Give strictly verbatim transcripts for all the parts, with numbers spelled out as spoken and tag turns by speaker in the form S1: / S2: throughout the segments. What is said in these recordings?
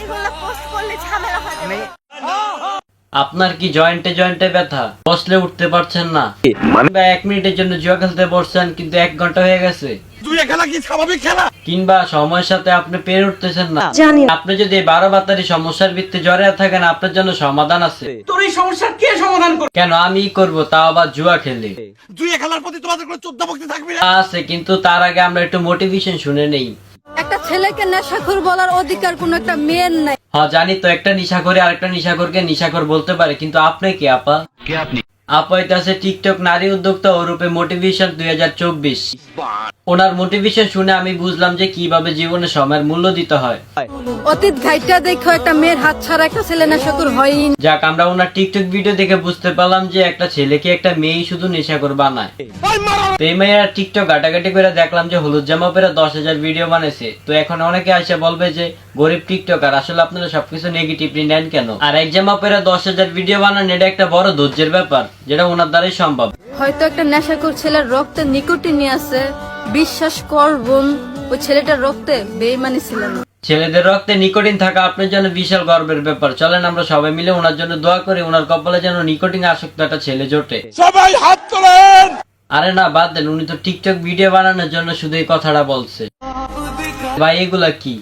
S1: আপনার কি জয়েন্টে জয়েন্টে ব্যথা, বসলে উঠতে পারছেন না, বা এক মিনিটের জন্য জুয়া খেলতে বসছেন কিন্তু এক ঘন্টা হয়ে গেছে, কিংবা সময়ের সাথে আপনি পেরে উঠতেছেন না, আপনি যদি বারো বাতারি সমস্যার ভিত্তি জড়িয়ে থাকেন, আপনার জন্য সমাধান আছে।
S2: তোর এই সমস্যার কে সমাধান করবে?
S1: কেন আমি করব, তাও আবার জুয়া খেলে?
S3: জুয়া খেলার প্রতি তোমাদের কোনো চোদ্দ ভক্তি থাকবে না?
S1: আছে, কিন্তু তার আগে আমরা একটু মোটিভেশন শুনে নেই।
S4: একটা ছেলেকে নেশাখোর বলার অধিকার কোন একটা মেয়ের নাই।
S1: হ্যাঁ জানি তো, একটা নিশাখোরে আরেকটা নিশাখোরকে নিশাখোর বলতে পারে, কিন্তু আপনি কি আপা?
S3: কে আপনি?
S1: আপা আছে টিকটক নারী উদ্যোক্তা ও রূপে মোটিভেশন দুই হাজার চব্বিশ। ওনার মোটিভেশন শুনে আমি বুঝলাম যে কিভাবে জীবনে সময়ের মূল্য দিতে হয়।
S4: অতীত ঘাইটা দেখো একটা মেয়ের হাত ছাড়া একটা ছেলে নেশাখোর হয়ই না।
S1: যাক, আমরা ওনার টিকটক ভিডিও দেখে বুঝতে পারলাম যে একটা ছেলেকে একটা মেয়েই শুধু নেশাখোর বানায়। তো এই মেয়েরা টিকটক ঘাটাঘাটি করে দেখলাম যে হলুদ জামা পরে দশ হাজার ভিডিও বানাইছে। তো এখন অনেকে আসে বলবে যে গরিব টিকটকার, আসলে আপনারা সবকিছু নেগেটিভলি নেন কেন? আর এক জামা পরে দশ হাজার ভিডিও বানান, এটা একটা বড় ধৈর্যের ব্যাপার, যেটা ওনার দ্বারাই সম্ভব।
S4: হয়তো একটা নেশাখোর ছেলের রক্তে নিকোটিন আছে, বিশ্বাস কর বোন, ওই ছেলেটার রক্তে বেঈমানি ছিল না।
S1: ছেলেদের রক্তে নিকোটিন থাকা আপনার জন্য বিশাল গর্বের ব্যাপার। চলেন আমরা সবাই মিলে ওনার জন্য দোয়া করি, ওনার কপালে যেন নিকোটিন আসক্ত একটা ছেলে জোটে।
S3: সবাই হাত তোলেন।
S1: আরে না, বাদ দেন, উনি তো টিকটক ভিডিও বানানোর জন্য শুধু এই কথাটা বলছে। ভাই এগুলা কি?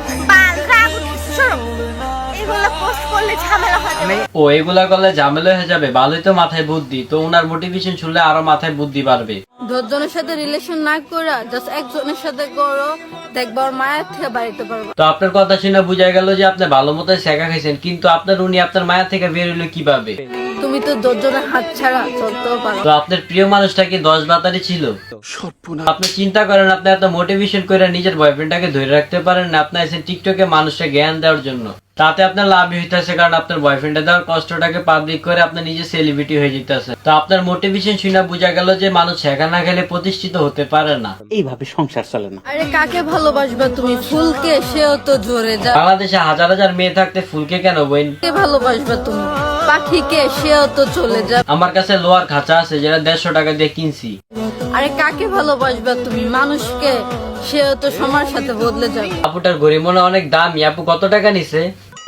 S1: ও এগুলা করলে ঝামেলা হয়ে যাবে? ভালোই তো মাথায় বুদ্ধি। তো ওনার মোটিভেশন শুনলে আরো মাথায় বুদ্ধি বাড়বে।
S4: দশজনের সাথে রিলেশন না করে জাস্ট একজনের সাথে করো, দেখবার মায়ের থেকে বাড়িতে পারবো।
S1: তো আপনার কথা শুনে বোঝা গেল যে আপনি ভালো মতো শেখা খাইছেন, কিন্তু আপনার উনি আপনার মায়া থেকে বের হইলো কিভাবে?
S4: তুমি তো দশজনের হাত ছাড়া চলতেও পারো।
S1: তো আপনার প্রিয় মানুষটা কি দশ বাতারি ছিল? আপনি চিন্তা করেন, আপনি এত মোটিভেশন করে নিজের বয়ফ্রেন্ডটাকে ধরে রাখতে পারেন না, আপনি আছেন টিকটকে মানুষকে জ্ঞান দেওয়ার জন্য। তাতে আপনার লাভই হইতেছে, কারণ আপনার বয়ফ্রেন্ডে দেওয়ার কষ্টটাকে পাবলিক করে আপনি নিজে সেলিব্রিটি হয়ে যেতেছে। তো আপনার মোটিভেশন শুনে বোঝা গেল যে মানুষ শেখা না খেলে প্রতিষ্ঠিত হতে পারে না।
S2: এইভাবে সংসার চলে না।
S4: আরে কাকে ভালোবাসবা তুমি? ফুলকে, সেও তো ঝরে যায়।
S1: বাংলাদেশে হাজার হাজার মেয়ে থাকতে ফুলকে কেন বইন?
S4: কে ভালোবাসবা তুমি? পাখিকে, সেও তো চলে যায়।
S1: আমার কাছে লোহার খাঁচা আছে, যেটা দেড়শো টাকা দিয়ে কিনছি।
S4: আরে কাকে ভালোবাসবা তুমি? মানুষকে, সেও তো সময়ের সাথে বদলে যাবে।
S1: আপুটার ঘড়ি মনে অনেক দামি। আপু কত টাকা নিছে?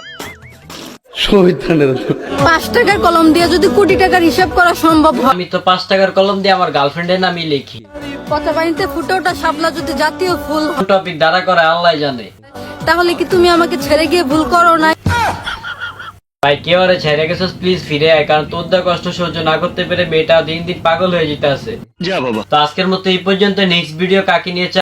S4: পাঁচ টাকার কলম দিয়ে যদি কোটি টাকার হিসাব করা সম্ভব হয়,
S1: আমি তো পাঁচ টাকার কলম দিয়ে আমার গার্লফ্রেন্ডের নামই লিখি।
S4: পচা পানিতে ফুটে ওঠা শাপলা যদি জাতীয় ফুল হয়,
S1: টপিক দ্বারা করে আল্লাহ জানে।
S4: তাহলে কি তুমি আমাকে ছেড়ে গিয়ে ভুল করো না?
S1: ভাই কেউ আরে ছেড়ে গেছিস, প্লিজ ফিরে আয়, কারণ তোর দা কষ্ট সহ্য না করতে পেরে মেয়েটা দিন দিন পাগল হয়ে যেতে আছে।
S3: যা বাবা।
S1: তো আজকের মতো এই পর্যন্ত। নেক্সট ভিডিও কাকে নিয়ে